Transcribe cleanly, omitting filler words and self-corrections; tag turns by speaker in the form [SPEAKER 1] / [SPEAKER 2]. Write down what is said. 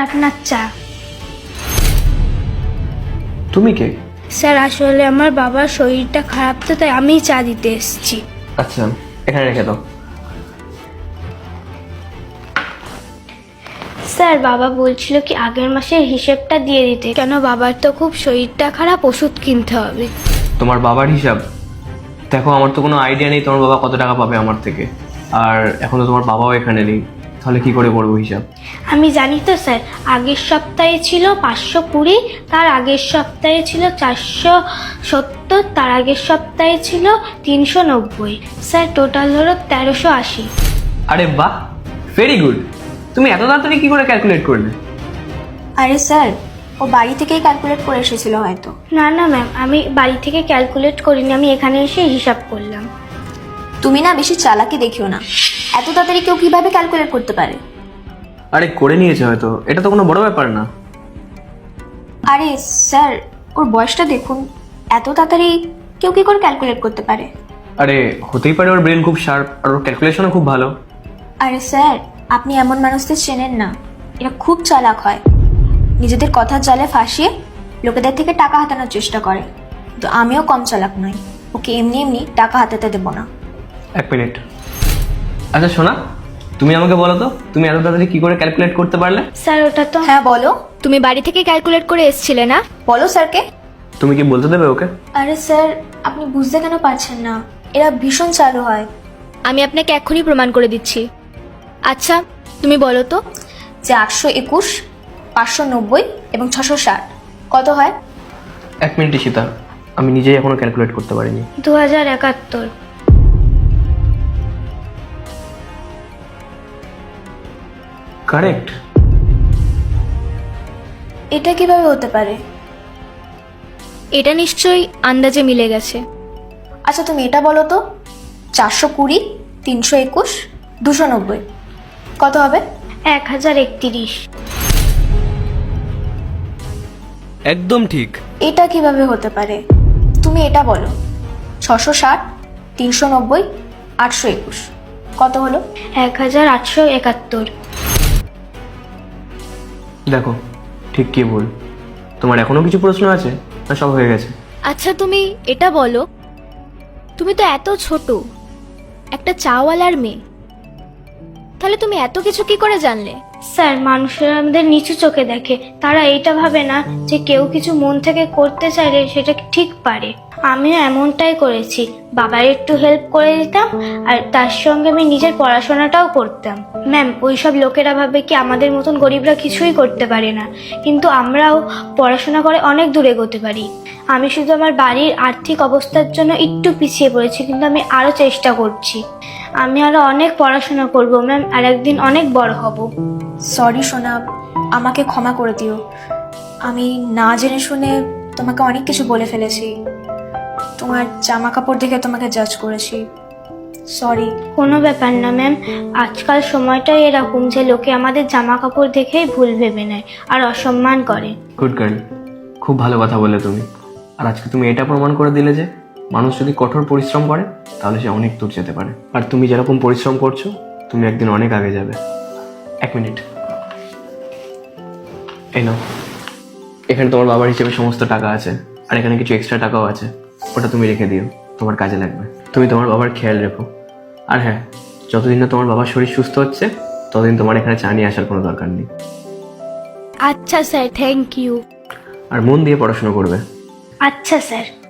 [SPEAKER 1] আপনার চা।
[SPEAKER 2] তুমি কে?
[SPEAKER 1] স্যার আসলে আমার বাবার শরীরটা খারাপ তো, তাই আমিই চা দিতে এসেছি।
[SPEAKER 2] আচ্ছা, এখানে রেখে দাও।
[SPEAKER 1] স্যার বাবা বলছিল কি আগের মাসের হিসেবটা দিয়ে দিতে, কেন বাবার তো খুব শরীরটা খারাপ, ওষুধ কিনতে হবে।
[SPEAKER 2] তোমার বাবার হিসাব? দেখো, আমার তো কোনো আইডিয়া নেই তোমার বাবা কত টাকা পাবে আমার থেকে, আর এখন তো তোমার বাবাও এখানে নেই, তাহলে কি করে করবো হিসাব?
[SPEAKER 1] আমি জানি তো স্যার, আগের সপ্তাহে ছিল 520, তার আগের সপ্তাহে ছিল 470, তার আগের সপ্তাহে ছিল 390। স্যার টোটাল হলো 1380।
[SPEAKER 2] আরে বাহ, ভেরি গুড। তুমি এত তাড়াতাড়ি কি করে ক্যালকুলেট করলে?
[SPEAKER 3] আরে স্যার, ও বাড়ি থেকেই ক্যালকুলেট করে এসেছিল হয়তো।
[SPEAKER 1] না না ম্যাম, আমি বাড়ি থেকে ক্যালকুলেট করিনি, আমি এখানে এসে হিসাব করলাম।
[SPEAKER 3] তুমি না বেশি চালাকি দেখিও না, এত তাড়াতাড়ি কেউ কিভাবে ক্যালকুলেট করতে পারে?
[SPEAKER 2] আরে করে নিয়েছে হয়তো, এটা তো কোনো বড় ব্যাপার না।
[SPEAKER 3] আরে স্যার, ওর বয়সটা দেখুন, এত তাড়াতাড়ি কেউ কি করে ক্যালকুলেট করতে পারে?
[SPEAKER 2] আরে হতেই পারে, ওর ব্রেন খুব শার্প আর ওর ক্যালকুলেশনও খুব ভালো।
[SPEAKER 3] আরে স্যার, আপনি এমন মানুষদের চেনেন না, এরা খুব চালাক হয়, নিজেদের কথার জালে ফাঁসিয়ে লোকেদের থেকে টাকা হাতানোর চেষ্টা করে। তো আমিও কম চালাক নই, ওকে এমনি এমনি টাকা হাতাতে দেবো না।
[SPEAKER 2] এক মিনিট। আচ্ছা শোনা, তুমি আমাকে বলো তো, তুমি এত তাড়াতাড়ি কি করে ক্যালকুলেট করতে পারলে?
[SPEAKER 1] স্যার ওটা তো
[SPEAKER 3] হ্যাঁ বলো,
[SPEAKER 4] তুমি বাড়ি থেকে ক্যালকুলেট করে এসেছিলে না?
[SPEAKER 3] বলো স্যারকে।
[SPEAKER 2] তুমি কি বলতে দেবে ওকে?
[SPEAKER 3] আরে স্যার, আপনি বুঝতে কেন পারছেন না? এরা ভীষণ চালু হয়।
[SPEAKER 4] আমি আপনাকে এক্ষুনি প্রমাণ করে দিচ্ছি। আচ্ছা তুমি বলো তো।
[SPEAKER 3] যে 821, 590 এবং 660 কত হয়?
[SPEAKER 2] এক মিনিট ঈশিতা, আমি নিজেই এখনো ক্যালকুলেট করতে পারিনি।
[SPEAKER 1] 2071।
[SPEAKER 2] কারেক্ট।
[SPEAKER 3] এটা কিভাবে হতে পারে?
[SPEAKER 4] এটা নিশ্চয়ই আন্দাজে মিলে গেছে।
[SPEAKER 3] আচ্ছা তুমি এটা বলো তো, 420, 321, 290 কত হবে?
[SPEAKER 1] 1031।
[SPEAKER 2] একদম ঠিক।
[SPEAKER 3] এটা কিভাবে হতে পারে? তুমি এটা বলো, 660, 390, 821 কত হলো?
[SPEAKER 1] 1871।
[SPEAKER 2] দেখো, ঠিক কি ভুল? তোমার এখনো কিছু প্রশ্ন আছে না সব হয়ে গেছে?
[SPEAKER 4] আচ্ছা তুমি এটা বলো, তুমি তো এত ছোট একটা চাওয়ালার মেয়ে, তাহলে তুমি এত কিছু কি করে জানলে?
[SPEAKER 1] স্যার মানুষেরা আমাদের নিচু চোখে দেখে, তারা এইটা ভাবে না যে কেউ কিছু মন থেকে করতে চাইলে সেটা ঠিক পারে। আমিও এমনটাই করেছি, বাবার একটু হেল্প করে দিতাম আর তার সঙ্গে আমি নিজের পড়াশোনাটাও করতাম। ম্যাম ওইসব লোকেরা ভাবে কি আমাদের মতন গরিবরা কিছুই করতে পারে না, কিন্তু আমরাও পড়াশোনা করে অনেক দূরে এগোতে পারি। আমি শুধু আমার বাড়ির আর্থিক অবস্থার জন্য একটু পিছিয়ে পড়েছি, কিন্তু আমি আরও চেষ্টা করছি। আমি আরও অনেক পড়াশোনা করব ম্যাম, আর একদিন অনেক বড় হব।
[SPEAKER 3] সরি সোনা, আমাকে ক্ষমা করে দিও, আমি না জেনে শুনে তোমাকে অনেক কিছু বলে ফেলেছি, তোমার জামা কাপড় দেখে তোমাকে জাজ করেছি, সরি।
[SPEAKER 1] কোনো ব্যাপার না ম্যাম, আজকাল সময়টাই এরকম যে লোকে আমাদের জামা কাপড় দেখেই ভুল ভেবে নেয় আর অসম্মান করে।
[SPEAKER 2] গুড গার্ল, খুব ভালো কথা বলে তুমি। আর আজকে তুমি এটা প্রমাণ করে দিলে যে মানুষ যদি কঠোর পরিশ্রম করে তাহলে সে অনেক দূর যেতে পারে। আর তুমি যেরকম পরিশ্রম করছো তুমি একদিন অনেক আগে যাবে। এক মিনিট, এই নাও, এখানে তোমার বাবার হিসেবে সমস্ত টাকা আছে, আর এখানে কিছু এক্সট্রা টাকাও আছে, ওটা তুমি রেখে দিও, তোমার কাজে লাগবে। তুমি তোমার বাবার খেয়াল রেখো। আর হ্যাঁ, যতদিন না তোমার বাবার শরীর সুস্থ হচ্ছে ততদিন তোমার এখানে চা নিয়ে আসার কোনো দরকার নেই।
[SPEAKER 1] আচ্ছা স্যার, থ্যাংক ইউ।
[SPEAKER 2] আর মন দিয়ে পড়াশোনা করবে।
[SPEAKER 1] আচ্ছা স্যার।